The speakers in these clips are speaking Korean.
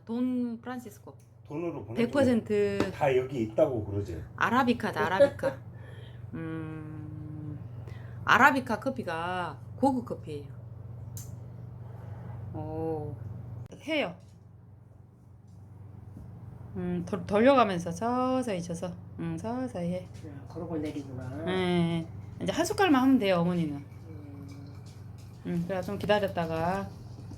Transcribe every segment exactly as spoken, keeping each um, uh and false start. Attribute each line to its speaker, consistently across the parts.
Speaker 1: 돈 프란시스코.
Speaker 2: 돈으로 보내.
Speaker 1: 백 퍼센트
Speaker 2: 다 여기 있다고 그러지.
Speaker 1: 아라비카다 아라비카. 음 아라비카 커피가 고급 커피예요. 오 해요. 음 돌, 돌려가면서 서서히 쳐서 음 서서히 해.
Speaker 3: 그러고 내리구나.
Speaker 1: 네, 이제 한 숟갈만 하면 돼요 어머니는.
Speaker 3: 음.
Speaker 1: 음 그래 좀 기다렸다가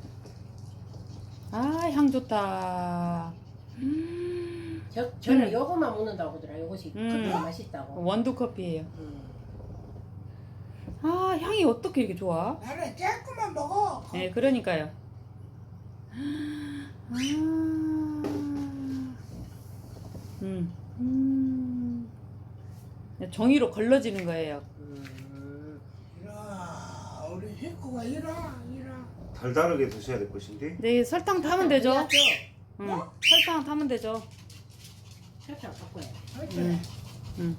Speaker 1: 아 향 좋다. 음,
Speaker 3: 저 저는
Speaker 1: 음.
Speaker 3: 요거만 먹는다고 하더라. 요것이
Speaker 1: 음.
Speaker 3: 커피가 맛있다고.
Speaker 1: 원두 커피예요.
Speaker 3: 음.
Speaker 1: 아 향이 어떻게 이렇게 좋아?
Speaker 4: 나는 조금만 먹어.
Speaker 1: 네 그러니까요. 아, 음, 음. 종이로 걸러지는 거예요.
Speaker 3: 음.
Speaker 4: 이라 우리 식구가 이라 이라.
Speaker 2: 달달하게 드셔야 될 것인데.
Speaker 1: 네 설탕 타면 되죠.
Speaker 3: 그래야죠.
Speaker 1: 응, 설탕 타면 되죠.
Speaker 3: 설탕 바꿔야 돼.
Speaker 4: 어째
Speaker 1: 음, 음.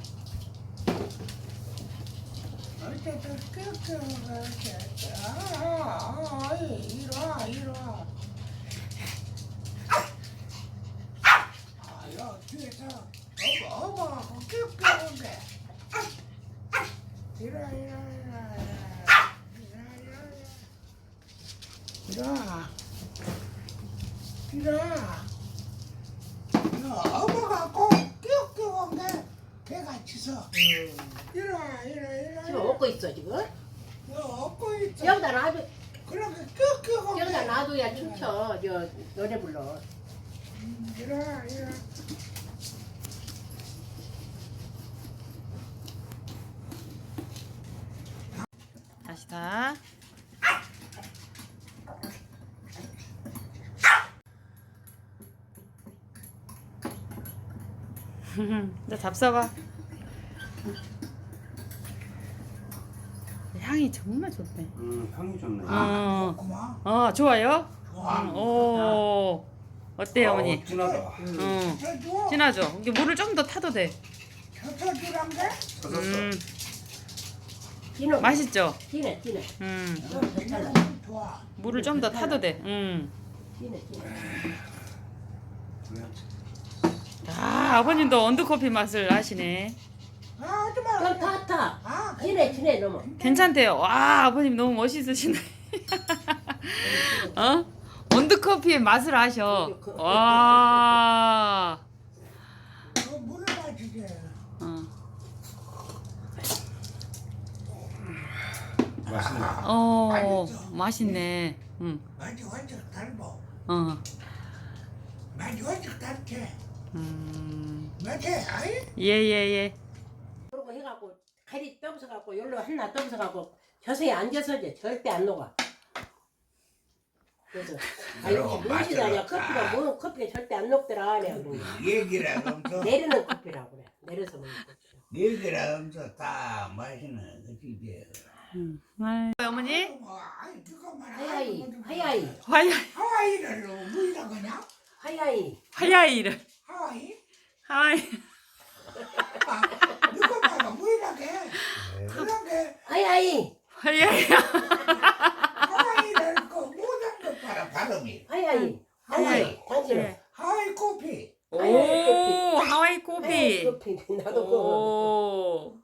Speaker 4: 어째 또 끄끄 어째. 아, 아, 이라 이라. 아야 뒤에서 어머 어머 끄끄 게. 이라 이라 이라 이라 이라 이라 이라. 어머가 꼭 끼역끼역 게 개가 치서
Speaker 3: 음.
Speaker 4: 이라 이라 이라
Speaker 3: 지금 먹고 있어 지금.
Speaker 4: 이거 업고 있어.
Speaker 3: 여기다 놔도
Speaker 4: 그렇게 끼역끼역
Speaker 3: 여기다 놔둬야 춤춰. 저 노래 불러.
Speaker 4: 이라 이라.
Speaker 1: 다시 다. 이제 잡숴봐. 향이 정말 좋네.
Speaker 2: 음 향이 좋네.
Speaker 1: 어,
Speaker 4: 고마.
Speaker 1: 어 좋아요?
Speaker 4: 좋아.
Speaker 1: 음, 오 어때요 어머니?
Speaker 2: 어, 진하다.
Speaker 1: 응
Speaker 4: 쳐줘.
Speaker 1: 진하죠? 이게 물을 좀 더 타도 돼.
Speaker 4: 쳐줘주란 게.
Speaker 2: 찾았어.
Speaker 1: 음
Speaker 3: 진해.
Speaker 1: 맛있죠?
Speaker 3: 진해 진해.
Speaker 1: 음
Speaker 3: 좀 괜찮아.
Speaker 4: 좋아.
Speaker 1: 물을 좀 더 타도 돼. 음.
Speaker 3: 진해 진해.
Speaker 1: 아 아버님도 원두커피 맛을 아시네.
Speaker 4: 아 하지마.
Speaker 3: 그럼 다 타.
Speaker 4: 아
Speaker 3: 진해 진해 너무.
Speaker 1: 괜찮대요. 와 아버님 너무 멋있으시네. 어? 원두커피의 맛을 아셔. 와.
Speaker 4: 그 물을 마시게.
Speaker 1: 어.
Speaker 2: 맛있네.
Speaker 1: 어 맛있네. 응.
Speaker 4: 맛이 완전 달고.
Speaker 1: 어.
Speaker 4: 맛이 완전 달게.
Speaker 1: 음.
Speaker 4: 맛이 아이.
Speaker 1: 예예예.
Speaker 3: 그러고 해갖고 칼이 떠서갖고 열로 하나 떠서갖고 젖에 앉아서 이제 절대 안 녹아. 그래서 아이고 무엇이다냐 커피가 뭐 커피가 절대 안 녹더라 내가 그러는 거야.
Speaker 4: 얘기라 하면서
Speaker 3: 내리는 커피라고 그래. 내려서 먹는 커피.
Speaker 4: 얘기라 하면서 다 마시는 그지.
Speaker 1: 음. 아이, 어머니?
Speaker 4: 아이 그것만
Speaker 3: 하야이 하야이
Speaker 1: 화야
Speaker 4: 하와이를 뭐이라 그냐?
Speaker 3: 하야이
Speaker 1: 화야이를
Speaker 4: 하와이?
Speaker 1: 하와이.
Speaker 4: 아, 그것만 뭐이라 게? 그런 게
Speaker 3: 하야이
Speaker 1: 화야이.
Speaker 4: 하와이를 그 모든 것 봐라 발음이.
Speaker 3: 하야이 하야이 당신은
Speaker 1: 네.
Speaker 4: 하와이 커피.
Speaker 1: 오
Speaker 3: 하와이
Speaker 1: 하와이
Speaker 3: 하야이
Speaker 1: 커피.
Speaker 3: 커피 나도 그거
Speaker 1: 오.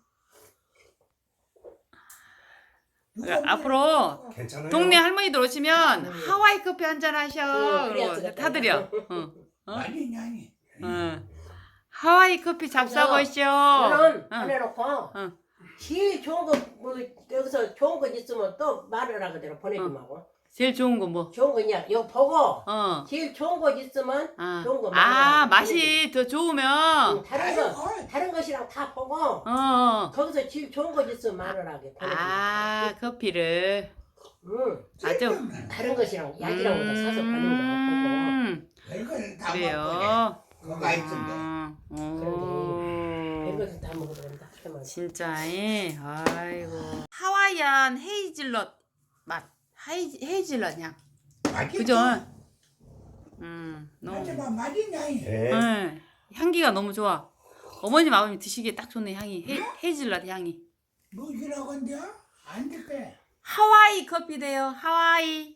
Speaker 4: 누가
Speaker 1: 앞으로
Speaker 2: 괜찮아요.
Speaker 1: 동네 할머니들 오시면 하와이 커피 한잔 하셔.
Speaker 3: 응,
Speaker 1: 그러고
Speaker 3: 그래야지,
Speaker 1: 타드려. 응. 어?
Speaker 4: 많이 냐니.
Speaker 1: 응. 하와이 커피 잡숴보시오.
Speaker 3: 그럼
Speaker 1: 응.
Speaker 3: 보내놓고
Speaker 1: 응.
Speaker 3: 제일 좋은 거 뭐 여기서 좋은 거 있으면 또 말을 하거든 보내주마고.
Speaker 1: 제일 좋은 거 뭐?
Speaker 3: 좋은 거 있냐? 이거 보고
Speaker 1: 어.
Speaker 3: 제일 좋은 거 있으면
Speaker 1: 아,
Speaker 3: 좋은 거
Speaker 1: 아
Speaker 3: 말해라.
Speaker 1: 맛이 더 좋으면.
Speaker 3: 응, 다른 거 다른 것이랑 다 보고
Speaker 1: 어.
Speaker 3: 거기서 제일 좋은 거 있으면 말을 하게 보내주마.
Speaker 1: 아 커피를.
Speaker 3: 응.
Speaker 1: 아주.
Speaker 3: 다른 것이랑 약이랑 다 사서 보는
Speaker 1: 음.
Speaker 4: 이걸 다 먹고
Speaker 1: 그래요.
Speaker 4: 그거가 있던데.
Speaker 1: 음.
Speaker 3: 보고.
Speaker 1: 오.
Speaker 3: 이것은 다 먹어도 된다. 그만.
Speaker 1: 진짜, 예. 아이고. 하와이안 헤이즐넛 맛. 하이, 헤이즐넛 향.
Speaker 4: 맛있어.
Speaker 1: 그죠? 음, 너무.
Speaker 4: 하지만 맛있냐니.
Speaker 2: 예.
Speaker 1: 네. 향기가 너무 좋아. 어머님, 아버님 드시기에 딱 좋네, 향이. 헤, 헤이즐넛 향이.
Speaker 4: 뭐지라고 한대요? 안 듣게.
Speaker 1: 하와이 커피 돼요, 하와이.